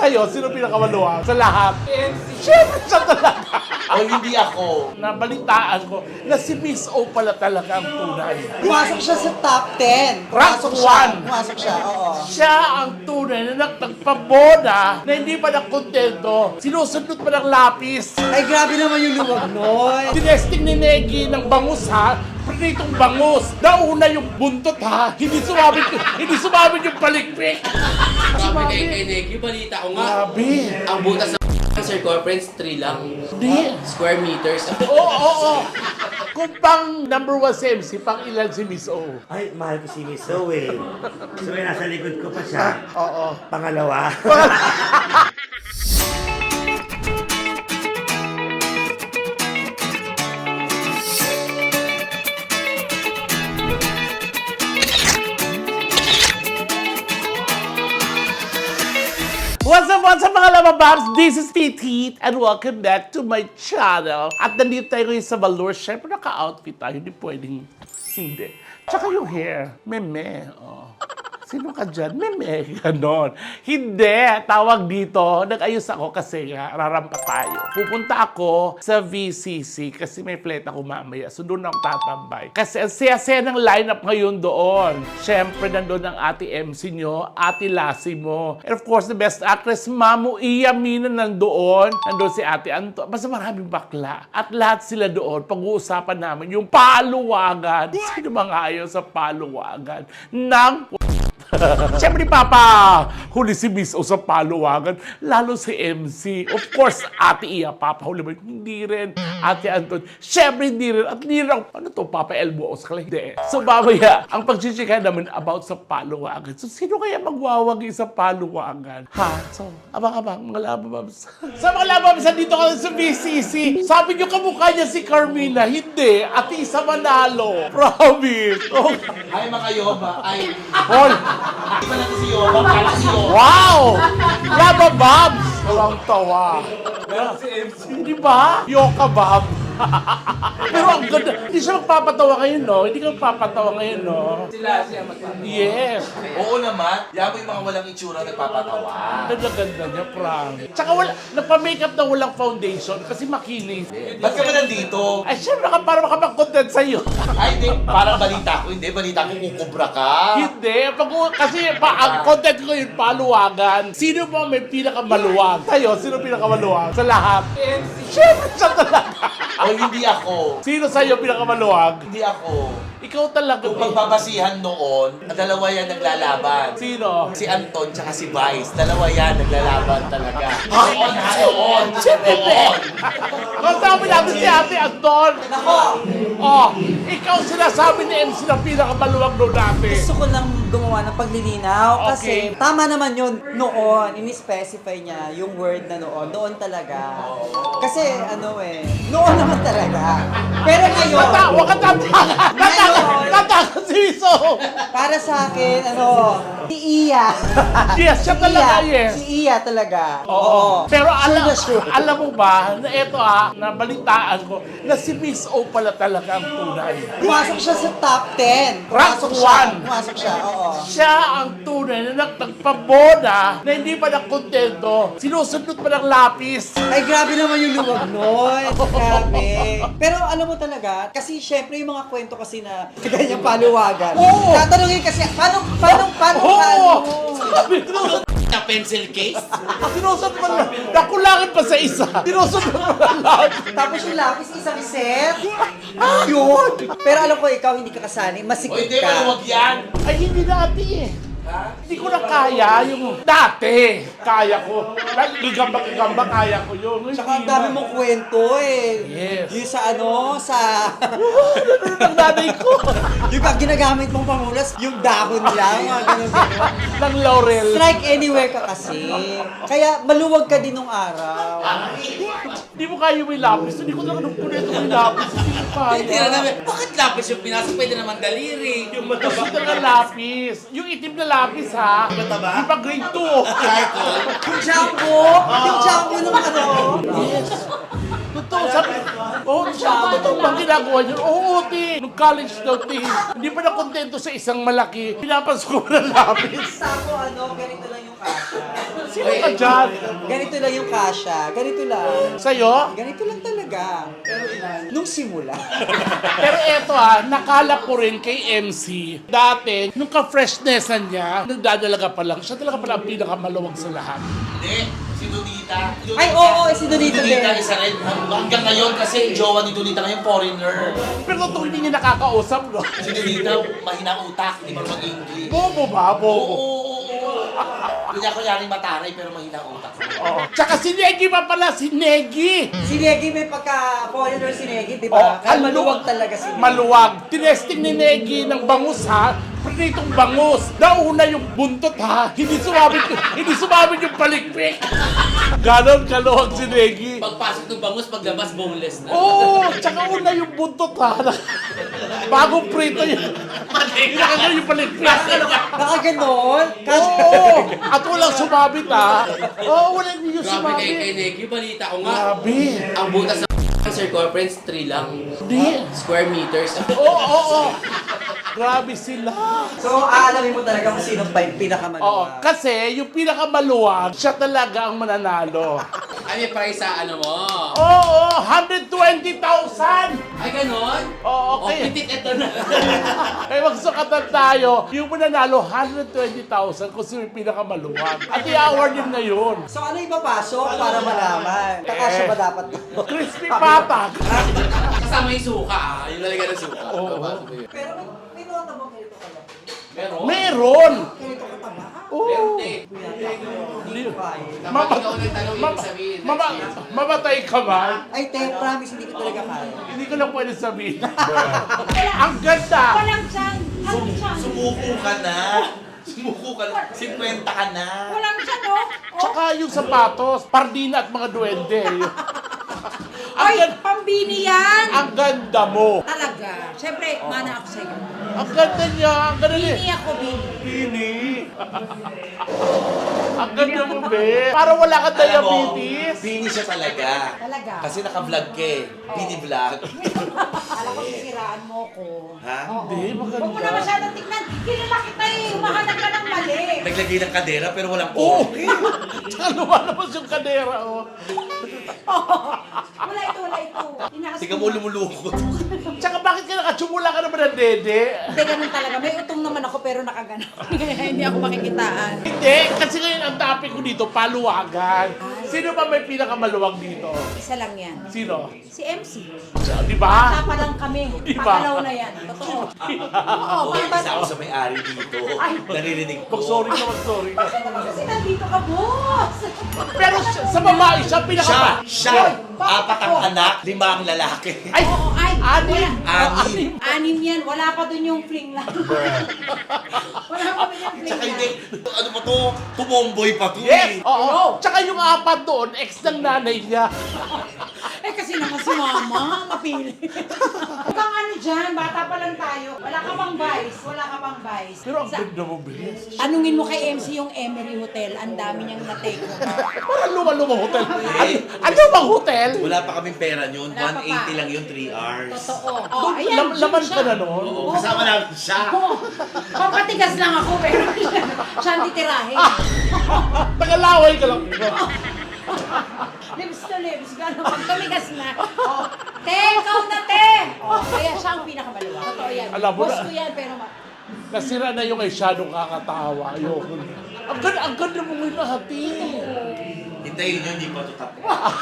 Sa'yo, sino pinakamaluwag sa lahat? Siyempre siya talaga. O hindi ako. Nabalitaan ko na si Miss O pala talaga ang tunay. Pumasok siya sa top 10. Rank Pumasok siya. one. Pumasok siya, oo. Siya ang tunay na nagpagpaboda na hindi pa nakontento. Sinusunod pa ng lapis. Ay, grabe naman yung luwag nun. Tinesting ni Negi ng bangus ha. Pritong bangus. Nauna yung buntot ha. Hindi sumabit yung palikpik. Sabi kay Neki, balita ko nga, Grabe. ang butas ng circumference 3 lang. Hindi. Square meters. Oo. Kung pang number 1 si MC, pang ilan si Miss O? Ay, mahal ko si Miss Zoe. So, nasa likod ko pa siya. Oo. Pangalawa. What's up mga lamababs? This is Titi and welcome back to my channel. At nandito tayo ngayon sa Valor. Siyempre naka-outfit tayo, hindi pwedeng hindi. Tsaka yung hair, meme. Oh. Sino ka dyan? Meme, ganon. Hindi, tawag dito. Nag-ayos ako kasi nga, rarampa tayo. Pupunta ako sa VCC kasi may flight ako mamaya. So doon ako tatambay. Kasi ang saya-saya ng lineup ngayon doon. Siyempre, nandun ang ate MC nyo, ate Lassie mo. And of course, the best actress, Mamu Iya Mina nandoon. Nandun si ate Anto. Basta maraming bakla. At lahat sila doon, pag-uusapan namin yung paluwagan. Sino mga ayaw sa paluwagan ng siyempre, Papa, huli si Miss O sa paluwagan, lalo si MC. Of course, Ate Iya, Papa, huli mo, hindi rin. Ate Anton, siyempre hindi rin. At hindi rin, ano to, Papa Elmo Oscar? Hindi. So, mamaya, ang pagchichika naman about sa paluwagan. So, sino kaya magwawagi sa paluwagan? Ha? So, abang-abang, mga labababs. Sa mga labababs, dito ka sa BCC. Sabi niyo, kamukha niya si Carmina. Hindi. Ate Isa Manalo. Promise. Oh. Ay, mga yoba. Ay, Hol. di ba natin si Yoba? Kala si Yoba. Wow! Laba Babs! Walang tawa. Hindi ba? Yoka Bob. Pero ang ganda. Hindi siya magpapatawa ngayon, no? Hindi ka magpapatawa ngayon, no? Siya magpapatawa. Yes. Oo naman. Yan mo yung mga walang itsura nagpapatawa. Ganda-ganda niya, Frank. Tsaka nagpa-makeup na walang foundation kasi makinis. Ba't ka ba nandito? Ay, syempre ka para makapag-content sa'yo. Ay, hindi. Parang balita ko. Hindi, balita ko kukubra ka. Hindi. Kasi ang content ko yung paluwagan. Sino ba may pinakamaluwag? Sa'yo, sino pinakamaluwag? Sa lahat? Siyempre siya talaga. O hindi ako. Sino sa'yo pinakamaluwag? Hindi ako. Ikaw talaga. Kung pagbabasihan noon, dalawa yan naglalaban. Sino? Si Anton tsaka si Vice. Dalawa yan naglalaban talaga. Noon ha, noon. Noon. Kasama natin si Ate Anton. Nako, Oh, ikaw sinasabi ni MC na pinakamaluwag doon natin. gusto ko lang gumawa ng paglilinaw kasi Okay. tama naman yun noon, ini-specify niya yung word na noon talaga. Kasi noon naman talaga. Pero ngayon, Huwag ka tatakan. Tatakan si Miso. para sa akin, si Iya. Yes, siya talaga, yes. Si Iya talaga. Oo. Pero Sure na sure. alam mo ba, na ito nabalitaan ko, na si Miss O pala talaga ang tunay. Pumasok siya sa top 10. Pumasok Rank siya. one. Pumasok siya, oo. Siya ang tunay na nagpagpaboda na hindi pa nakontento. Sinusunod pa ng lapis. Ay, grabe naman yung luwag nun. Grabe. Pero alam mo talaga, kasi syempre yung mga kwento kasi na ganyang paluwagan. Oo. Tatanungin kasi, paano? Oo! Sabi, sinusod Na pencil case? pa lang. Nakulangan pa sa isa. Sinusunod pa ng lapis. Tapos yung lapis, isang set. Yun. Pero alam ko, ikaw hindi ka kasali. O Masikip hindi, ka. maluwag yan. Ay, hindi dati eh. Hindi ko na kaya yung dati. Kaya ko. Igamba kaya ko yun. Tsaka ang dami mong kwento eh. Yes. Yung sa Ang nanay ko. yung pag ginagamit mong pamulas, yung dahon lang, mga ganun-ganun. Ng laurel. Strike anywhere ka kasi. Kaya maluwag ka din nung araw. Hindi mo kaya yung may lapis. Hindi ko na puneto yung lapis. Hindi ko kaya. Hindi na namin. Bakit lapis yung pinasok? Pwede naman daliri. Yung Gusto na lapis. Yung itim na lapis ha. Mataba? Di pa grade 2. Yung jumbo, yung jumbo nung Yes. Totoo, sabi. Totoo bang ginagawa niyo? Oo, ti. Nung college daw, ti. Hindi pa na kontento sa isang malaki. Pinapasok ko ng lapis. Sako, ganito lang yung kasha. Sino ka dyan? Ganito lang yung kasha. Ganito lang. Sa'yo? Ganito lang talaga. Nung simula. Pero eto nakala ko rin kay MC. Dati, nung ka-freshnessan niya, nagdadalaga pa lang, siya talaga pala ang pinakamaluwag sa lahat. Hindi, si Donita. Ay, oo, si Donita din. Donita isa rin. Hanggang ngayon kasi jowa ni Donita ngayon foreigner. Pero totoo hindi niya nakakausap, no? Si Donita, mahina utak, hindi marunong English. Bobo ba? Oo, Bobo. oo, oo. Hindi ako yaring mataray pero mahina utak. Oo. Tsaka si Negi pa pala, si Negi! Si Negi may pagka-foreigner si Negi, di ba? Kaya maluwag talaga si Negi. Maluwag. Tinesting ni Negi ng bangus pritong bangus. Nauna yung buntot hindi sumabit yung palikpik. Ganon kaluwag si Negi. Pagpasok ng bangus, paglabas, boneless na. Oo, tsaka una yung buntot Bagong prito yun. Nakaganon yung palikpik. Nakaganon? Oo! At walang sumabit Oo, wala niyo yung Grabe kay sumabit. Negi, balita ko nga. Grabe. Ang butas ng circumference, 3 lang. Hindi. Square meters. Oo. Grabe sila. So, aalamin mo talaga kung sino pa yung Oo, pinakamaluwag. kasi yung pinakamaluwag, siya talaga ang mananalo. Ay, may price sa ano mo. Oo, 120,000! Ay, ganon? Oo, O, okay. pitit ito na. Kaya magsukatan tayo, yung mananalo, 120,000 kung sino yung pinakamaluwag. At i-award din na yun. So, ano ipapasok para malaman? Kakasya ba dapat to? Crispy patag. Kasama yung suka Yung lalagyan ng suka. Oo. Pero may nota mo ganito ka lang. Meron? Meron! Ganito ka tama. Oo. Hindi ko kaya. Kapag ikaw nagtanong, ibig sabihin. Mamatay ka ba? Ay, te, promise, hindi ko talaga kaya. Hindi ko lang pwede sabihin. Ang ganda! Walang tiyan. Walang tiyan. Sumuko ka na. Sumuko ka na. 50 ka na. Walang tiyan, oh. Oh. Tsaka yung sapatos, pardina at mga duwende. Ay, pambini yan. Ang ganda mo. Talaga. Siyempre, mana ako sa'yo. Ang ganda niya. Ang ganda niya. Bini ako, bini. Pini. Ang ganda mo, be. Para wala kang Alam mo, diabetes. Bini siya talaga. Talaga. Kasi naka-vlog ka Bini-vlog. Alam ko, sisiraan mo ko. Ha? Hindi, Huwag mo na maganda. masyadong tignan. Kilala kita eh. Umahanap ka ng mali. Naglagay ng kadera pero walang Oo. cork. Tsaka lumalabas yung kadera, Wala ito, wala ito. Tinakas Tingnan mo lumulukot. Tsaka bakit ka nakatsumula ka naman ng dede? Hindi, ganun talaga. May utong naman ako pero nakaganon. Hindi ako makikitaan. Hindi, kasi ngayon ang topic ko dito, paluwagan. Sino ba may pinakamaluwag dito? Isa lang yan. Sino? Si MC. Di ba? Bata pa lang kami. Iba. Pagalaw na yan. Totoo. Oo, Okay, bata. isa ako sa may-ari dito. Naririnig ko. Mag-sorry ka, mag-sorry ka. Kasi nandito ka, boss. Pero sa babae, siya Siya, apat ang anak, 5 ang lalaki. Ay, Oo, ay. anim. Wala. Anim. Anim yan. Wala pa dun yung fling lang. Wala pa dun yung fling Tsaka lang. hindi, ano pa to? Tumomboy pa to Yes! eh. Oo. Tsaka yung apat doon, ex ng nanay niya. Eh kasi naman si mama, mapili. Huwag kang ano dyan, bata pa lang tayo. Wala ka pang vice, wala ka pang vice. Pero ang ganda mo, Bes. Tanungin mo kay MC yung Emery Hotel, ang dami niyang na-take over. Parang luma-lumang hotel. Ano bang hotel? Wala pa kaming pera yun. Wala pa 180 lang yun, 3 hours. Totoo. Oh, ayan, Laman siya. ka na noon. Oo, kasama namin siya. Oo. Pampatigas lang ako, pero siya ang titirahin. Tagalaway ka lang. Lips to lips, gano'n. Pag tumigas na. Oh, te, ikaw na, te! Oh, kaya siya ang pinakamaluwa. Totoo yan. Alam mo Boss na. ko yan, pero Nasira na yung masyadong kakatawa. Ayoko. Ang ganda mo ngayon lahati. Hintayin nyo, hindi pa ito tapos.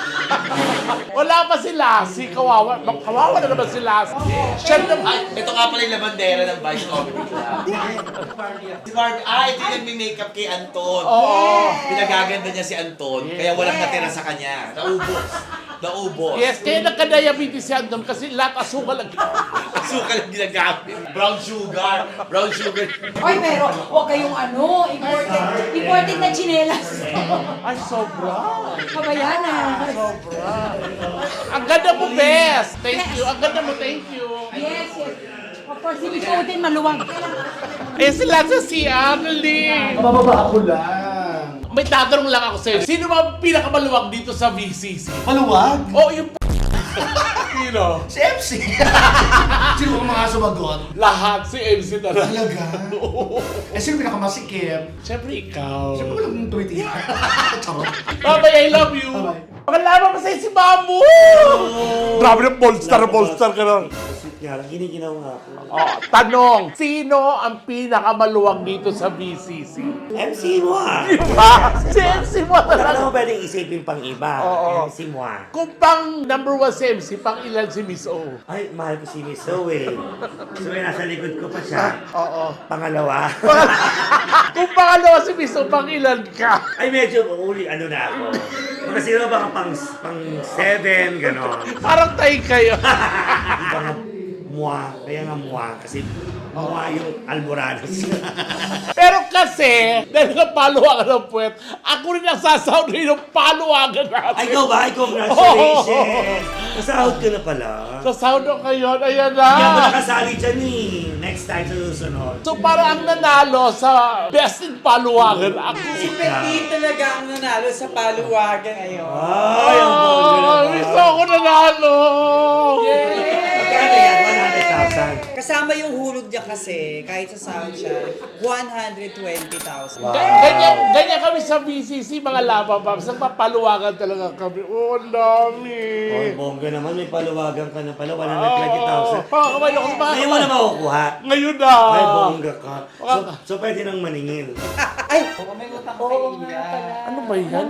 Wala pa si Lassie. Kawawa. Kawawa na naman si Lassie. Siya naman. Ay, ito nga pala yung labandera ng Vice Comedy Club. Si Barbie, ito yung nagme-makeup kay Anton. Oo. Pinagaganda niya si Anton, kaya walang natira sa kanya. Naubos. Naubos. Yes, kaya nagka-diabetes si Andon kasi lahat asukal ang Asukal ang ginagamit. Brown sugar. Brown sugar. Oy, pero huwag kayong ano, imported na chinelas. Ay, sobra. Kabayanan. Sobra. Ang ganda mo, Bes. Thank you. Ang ganda mo, thank you. Yes, yes. Of course, si Biko din maluwag. Eh, sila sa si Arlie. Mababa ako lang. May tatanong lang ako sa'yo. Sino ba ang pinakamaluwag dito sa VCC? Maluwag? Oh, yung Sino? Si MC. Sino ang mga sumagot? Lahat si MC talaga. Talaga? Eh, sino pinakamasikip? Siyempre ikaw. Siyempre ko lang yung tweet. Charot. Babay, I love you. Bye-bye. Pakalaman mo sa'yo si Mamu! Grabe na, bolster ka na. Sweet nga lang, giniginaw nga ako. Oh, tanong, sino ang pinakamaluwag dito sa BCC? MC mo ah! Diba? Si MC mo Wala talaga. naman pwedeng isipin pang iba. Oo. MC mo ah. Kung pang number 1 si MC, pang ilan si Miss O? Ay, mahal ko si Miss Zoe. So, nasa likod ko pa siya. Oo. Pangalawa. Kung pangalawa si Miss O, pang ilan ka? Ay, medyo uli, ano na ako. Mga sino ba pang 7, gano'n. Parang tayo kayo. Mga mua, kaya nga mua, kasi mua yung almorados. Pero kasi, dahil napaluwagan ng puwet, ako rin ang sasaunay ng paluwagan natin. Ay, ikaw ba? Ay, congratulations! Nasahod ka na pala. Sa sound ngayon, ayan Hindi ako na. nakasali dyan eh. Next time sa susunod. So para ang nanalo sa Best in Paluwagan, ako. Si Petit talaga ang nanalo sa paluwagan ngayon. Ay, ang bongga naman. Gusto ko nanalo! Magkano yan? 100,000. Kasama yung hulog niya kasi, kahit sa sound siya, 120,000. Ganyan kami sa BCC, mga lava bombs. Nagpapaluwagan talaga kami. Oh, ang dami. Oh, bongga naman. May paluwagan ka na pala. Oh, 120,000. kamay ako sa Ngayon mo na makukuha. Ngayon na. Ay, bongga ka. So pwede nang maningil. Ay! May utang pa kay Iya. Ano ba yan?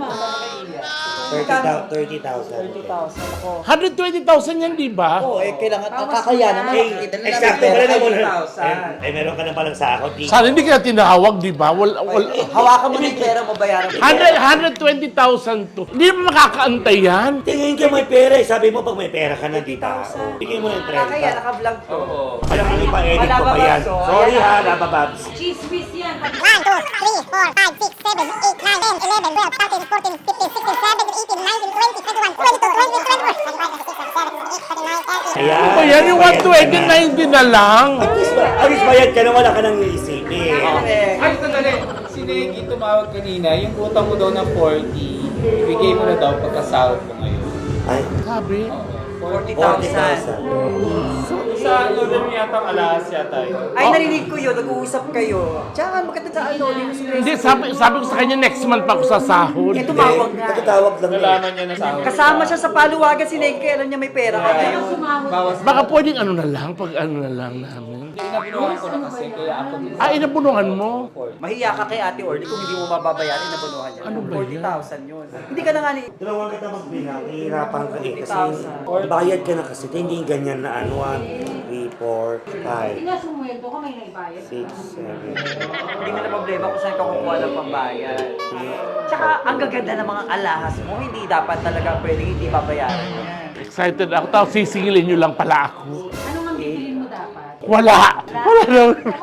30,000. 30,000 ako. 120,000 yan, di ba? Oo, kailangan kakayanan mo. Exacto pala na muna. Meron ka na palang sahod. Sana hindi ka tinawag, di ba? Hawakan mo na yung pera mo, bayaran mo. 120,000 to. Hindi mo makakaantay yan. Tingin ka may pera eh. Sabi mo pag may pera ka na, di ba? Bigay mo ng 30. Kakaya, naka-vlog to. Alam mo, ipa-edit ko pa yan. Sorry ha, Laba Babs. Chismis yan. 1, 2, 3, 4, 5, 6, 7, 8, 9, 10, 11, 12, 13, 14, 15, 16, 17, 18, 19, 20, 21, 22, 23, 24, 25, 26, 27, 28, 29, 30. Ayan. Ano ba yan? Yung 120, 90 na lang. At least bayad ka na, wala ka nang iisipin. Ay, sandali. Si Negi tumawag kanina, yung utang mo daw ng 40, ibigay mo na daw pagkasahod mo ngayon. Ay, Sabi? 40,000. 40,000. Sa ulan yata alas yata yun. Ay, narinig ko yun. Nag-uusap kayo. Tsaka, magkatid sa ano, Hindi, sabi ko sa kanya next month pa ako sa sahod. Eh, tumawag nga. Nagtatawag lang yun. Nalaman niya na sa akin. Kasama siya sa paluwagan si Neg, kaya alam niya may pera ka ngayon. Bawas Baka pwedeng ano na lang, pag ano na lang namin. Inabinuhan ko na kasi, kaya ako din. Ah, inabunungan mo? Mahiya ka kay Ate Orly kung hindi mo mababayaran, nabunuhan niya. Ano ba yan? 40,000 yun. Hindi ka na nga ni... Dalawang kita magbilang, ihirapan ka eh. Kasi 40,000. bayad ka na kasi, hindi ganyan na ano, 1, 3, 4, 5, Pinasumweldo ka, may naibayad. 6, 7, Hindi mo na problema kung saan ka kukuha ng pambayad. Tsaka, ang gaganda ng mga alahas mo, hindi dapat talaga pwedeng hindi babayaran yan. Excited ako. Tapos sisingilin nyo lang pala ako. Ano nga bibilin mo dapat? Wala. Wala na.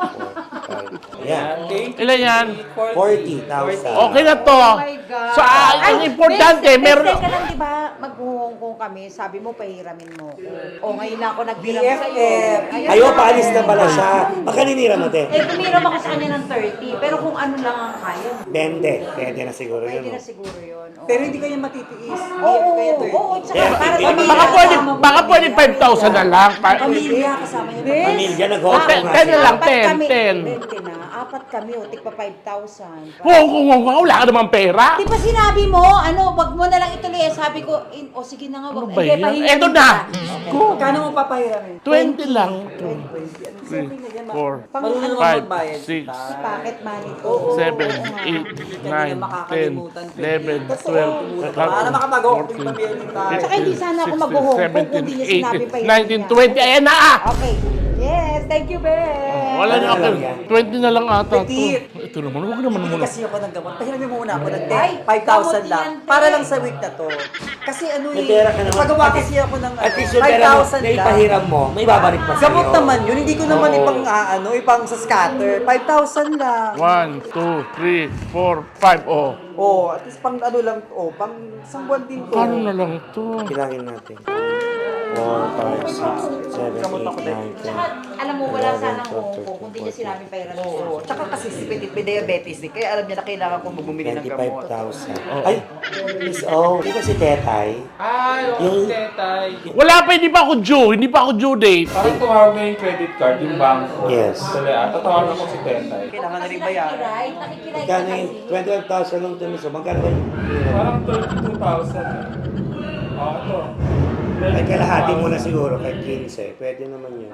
Ayan. Ilan yan? 40,000. Okay na to. Oh my God. So, ang importante, meron... Teka lang, di ba, mag-Hong kami, sabi mo, pahiramin mo ko. O, ngayon na ako nagbiram sa'yo. BFF. Ayaw, paalis na pala siya. Baka ninira mo, te. Eh, kumiram ako sa kanya ng 30, pero kung ano lang ang kaya, 20. Pwede na siguro yun. pwede no? na siguro yun. Oo. Pero hindi kayo matitiis. Oo, Kaya oo, tsaka Yeah, para yeah. sa Baka pwede 5,000 na lang. Pamilya kasama niya. Pamilya, nag-host Ten- nga ten na sila. lang. 20 na. Apat kami, o, tigpa 5,000. Wala ka namang pera. Di ba sinabi mo, ano, wag mo na lang ituloy. Eh, sabi ko, o sige na nga, Ano wag. ba Hindi, yan? pahiramin Eto na. kita. Go. Kano mo papahiramin? 20 lang. 20. 4, Marunong naman 5, magbayad. 6, Sa pocket money ko. 7, Oo nga. 8, 9, 10, 11, 12, Para makapag-hawak yung pamilya ni tayo. Tsaka hindi sana ako mag-Hong Kong kung hindi niya sinabi pa 19, 20, ayan na ah! Okay. Yes, thank you, Ben. Wala na Wala ako. lang yan. 20 na lang ata to. Petit. Ito naman, huwag naman Hindi muna. kasi ako ng gamot. Pahiramin mo muna ako ng Ay, 5,000 gamot lang. yan, Para te. lang sa week na to. Kasi ano May pera ka naman. pagawa kasi ako ng At least yung pera mo, 5,000 na lang. ipahiram mo, may babalik pa sa'yo. Gamot naman yun. Hindi ko naman Oo. ipang ipang sa scatter. 5,000 lang. 1, 2, 3, 4, 5, oh. Oh, at least pang ano lang, pang isang buwan din to. Paano na lang to? Bilangin natin. Tsaka, alam mo, wala sanang kung hindi niya sinabing pahiramin siya. Oo. Tsaka kasi si Petit may diabetes din, kaya alam niya na kailangan kong bumili ng gamot. 25,000. Ay, Miss O, di ba si Tetay? Ay, Yung- yung tetay. Wala pa, hindi pa ako due. Hindi pa ako due date. Parang tumawag na yung credit card, yung bangko. Yes. Kaya tatawag ako si tetay. Kailangan na rin bayaran. Nakikiray ka Magkano yung kasi. 25,000 lang ito, Miss O? Magkano ba yun? Parang 32,000 eh. Ito. Ay, kalahati mo na siguro, kahit 15. Pwede naman yun.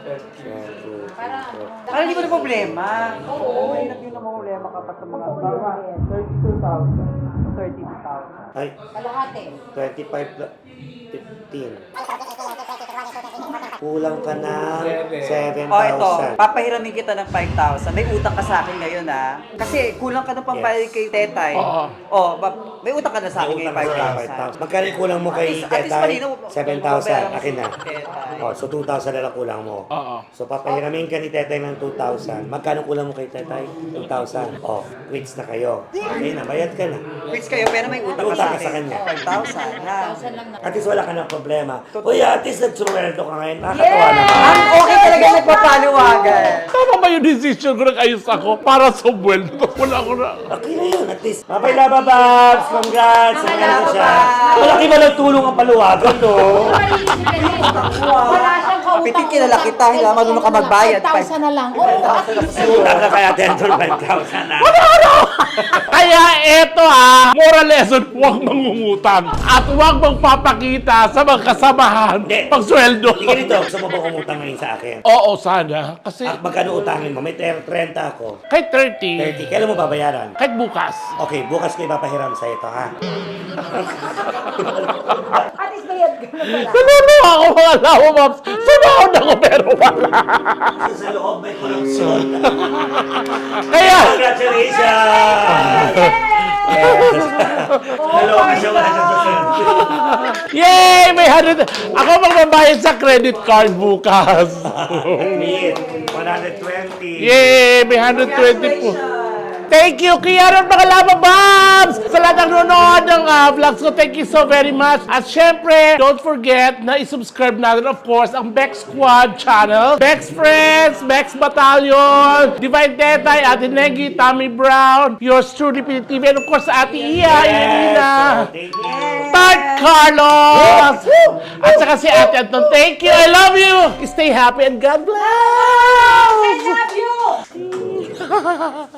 Para hindi mo na problema. Oo. Mahirap yun ang problema kapag sa mga 32,000. 32,000. Ay, Kalahati. 15. Kulang ka na 7,000. Oh, ito. Papahiramin kita ng 5,000. May utang ka sa akin ngayon, ha? Kasi kulang ka ng pambayad kay Tetay. Oo. Oh, may utang ka na sa akin May ngayon, utang ka sa 5,000. 5,000. Magkano yung kulang mo kay At least Tetay? malinaw. 7,000. Akin na. Tetay. Oh, so 2,000 na lang kulang mo. Oo. So papahiramin ka ni Tetay ng 2,000. Magkano kulang mo kay Tetay? 2,000. Oh, quits na kayo. Okay na, bayad ka na. Quits kayo, pero may utang ka Utang sa ka sa akin. kanya. 5,000. Ha? 1,000 lang na. At least wala ka ng problema. Uy, at least nagsuweldo ka ngayon. Nakakatawa naman. Ang okay talaga nagpapaliwagan. Tama ba yung decision ko nag-ayos ako para sa buweldo? Wala ko na. Okay na yun, at least. Mabay Laba Babs! Congrats! Mabay Ano Laba siya? Babs! Malaki ba ng tulong ang paluwagan, no? Wala siyang kautang. Pitik kilala kita, hindi naman marunong ka magbayad. 5,000 na lang. Oo. Utang ka kaya Dental 5,000 na. Kaya eto moral lesson, huwag mangungutang. At huwag magpapakita sa mga kasamahan Hindi. pag sweldo. Hindi ganito, gusto mo ba umutang ngayon sa akin? Oo, sana. Kasi Magkano utangin mo? May 30 ako. kahit 30, 30. Kailan mo babayaran? kahit bukas. Okay, bukas ko ipapahiram sa ito, ha? At least bayad ka na pala. Naluluha ako mga lawa, Moms. Sumahod ako pero wala. Sa loob may corruption. Kaya, Congratulations! Yes. Naloob siya, wala siya sa yay! May 100. Ako magbabayad sa credit card bukas. Meet. 120. Yay! May 120 po. Thank you, Kiara, mga Lava Bombs! Sa lahat ng nanonood ng vlogs ko, thank you so very much. At syempre, don't forget na isubscribe natin, of course, ang Bex Squad channel. Bex Friends, Bex Battalion, Divine Tetay, Ate Negi, Tommy Brown, yours truly, PTV, and of course, Ate Iya, Irina, Thank you. Tart Carlos, at saka si Ate Anton. Thank you, I love you! Stay happy and God bless! I love you!